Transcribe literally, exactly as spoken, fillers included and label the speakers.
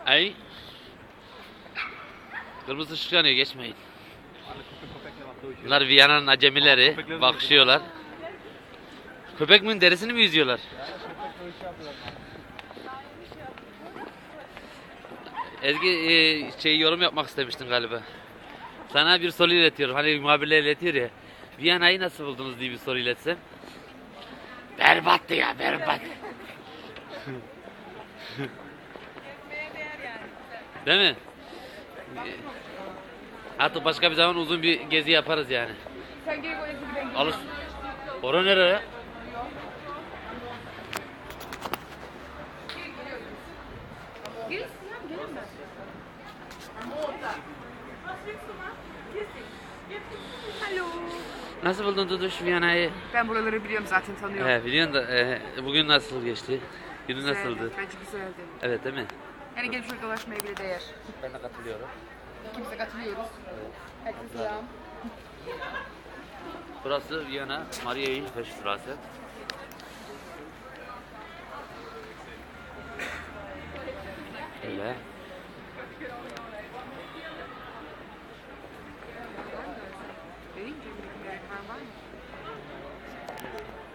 Speaker 1: Ay. Kırmızı ışık yanıyor, geçmeyin. Bunlar Viyana'nın acemileri, bakışıyorlar. Köpek mi, derisini mi yüzüyorlar? Ezgi e, şey yorum yapmak istemiştin galiba. Sana bir soru iletiyorum. Hani muhabirler iletiyor ya. Viyana'yı nasıl buldunuz diye bir soru iletsem. Berbattı ya, berbat. Değil mi? Artık başka bir zaman uzun bir gezi yaparız yani.
Speaker 2: Sen geri koy, Ezgi, ben
Speaker 1: Alış. Ora nereye?
Speaker 2: Gelin Sinan, gelin ben. Alo.
Speaker 1: Nasıl buldun Duduş Viyana'yı?
Speaker 2: Ben buraları biliyorum zaten, tanıyorum.
Speaker 1: He, biliyorsun da e, bugün nasıl geçti? Günü
Speaker 2: Güzeldi,
Speaker 1: nasıldı?
Speaker 2: bence güzeldi.
Speaker 1: Evet, değil mi?
Speaker 2: Yani gelip şöyle dolaşmaya bile değer.
Speaker 1: Ben de katılıyorum.
Speaker 2: İkimiz katılıyoruz. Herkese selam.
Speaker 1: Burası Viyana Maria Hilfer Straße.